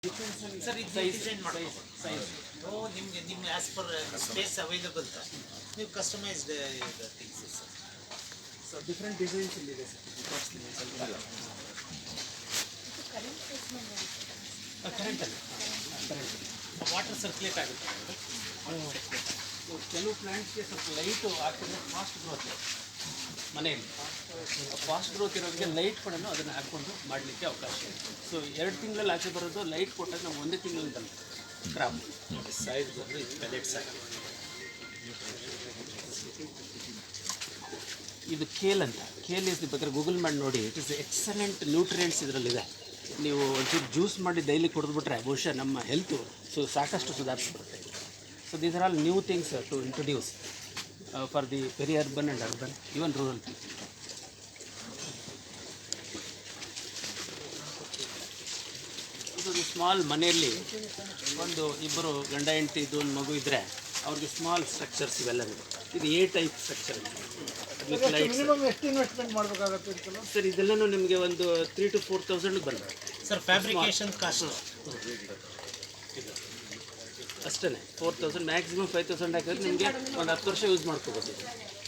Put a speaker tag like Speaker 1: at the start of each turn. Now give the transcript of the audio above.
Speaker 1: Sir ಇದು design ಮಾಡ್ಬೋದು size ನಿಮ್ಮ ಆ್ಯಸ್ ಪರ್ ಸ್ಪೇಸ್ ಅವೈಲಬಲ್ ನೀವು customised things sir.
Speaker 2: So different designs ಇಲ್ಲಿದೆ ಸರ್.
Speaker 1: ಕರೆಂಟಲ್ಲಿ ವಾಟರ್ ಸರ್ಕ್ಯುಲೇಟ್ ಆಗುತ್ತೆ.
Speaker 2: ಕೆಲವು ಪ್ಲ್ಯಾಂಟ್ಸ್ಗೆ ಸ್ವಲ್ಪ ಲೈಟು ಹಾಕಿದ್ರೆ ಫಾಸ್ಟ್ ಗ್ರೋತ್ ಮನೆಯಲ್ಲಿ ಫಾಸ್ಟ್ ಗ್ರೋತ್ ಇರೋದಕ್ಕೆ ಲೈಟ್ ಕೊಡೋನು ಅದನ್ನು ಹಾಕ್ಕೊಂಡು ಮಾಡಲಿಕ್ಕೆ ಅವಕಾಶ ಇದೆ. ಸೊ 2 ತಿಂಗಳಲ್ಲಿ ಆಚೆ ಬರೋದು ಲೈಟ್ ಕೊಟ್ಟಾಗ ನಾವು 1 ತಿಂಗಳಲ್ಲಿ ಬಂದು ಕ್ರಾಪ್
Speaker 1: ಸೈಜ್ ಬಂದು ಇದು ಪೆಲೆಟ್ಸ್ ಆಗುತ್ತೆ.
Speaker 2: ಇದು ಕೇಲ್ ಅಂತ. ಕೇಲ್ ಇಸ್ ಬೇಕಾದ್ರೆ ಗೂಗಲ್ ಮಾಡಿ ನೋಡಿ. ಇಟ್ ಇಸ್ ಎಕ್ಸಲೆಂಟ್ ನ್ಯೂಟ್ರಿಯೆಂಟ್ಸ್ ಇದರಲ್ಲಿದೆ. ನೀವು ಒಂಚೂರು ಜ್ಯೂಸ್ ಮಾಡಿ ಡೈಲಿ ಕುಡಿದ್ಬಿಟ್ರೆ ಬಹುಶಃ ನಮ್ಮ ಹೆಲ್ತು ಸಾಕಷ್ಟು ಸುಧಾರಿಸ್ಬಿಡುತ್ತೆ. So these are all new things to introduce for the very urban and urban even rural people. ಇದೊಂದು ಸ್ಮಾಲ್ ಮನೆಯಲ್ಲಿ ಒಂದು ಇಬ್ಬರು ಗಂಡ ಹೆಂಡತಿ ಇದು ಒಂದು ಮಗು ಇದ್ದರೆ ಅವ್ರಿಗೆ ಸ್ಮಾಲ್ ಸ್ಟ್ರಕ್ಚರ್ಸ್ ಇವೆಲ್ಲ ಇದು ಎ ಟೈಪ್ ಸ್ಟ್ರಕ್ಚರ್.
Speaker 3: ಎಷ್ಟು ಇನ್ವೆಸ್ಟ್ಮೆಂಟ್ ಮಾಡಬೇಕಾಗುತ್ತೆ
Speaker 2: ಸರ್ ಇದೆಲ್ಲನೂ ನಿಮಗೆ ಒಂದು 3,000 to 4,000 ಬರ್ತದೆ
Speaker 1: ಸರ್. ಫ್ಯಾಬ್ರಿಕೇಶನ್ ಕಾಸ್ಟ್
Speaker 2: ಅಷ್ಟೇ. 4,000 ಮ್ಯಾಕ್ಸಿಮಮ್ 5,000 ಹಾಕಿದ್ರೆ ನಿಮಗೆ ಒಂದು 10 ವರ್ಷ ಯೂಸ್ ಮಾಡ್ಕೋಬೋದು.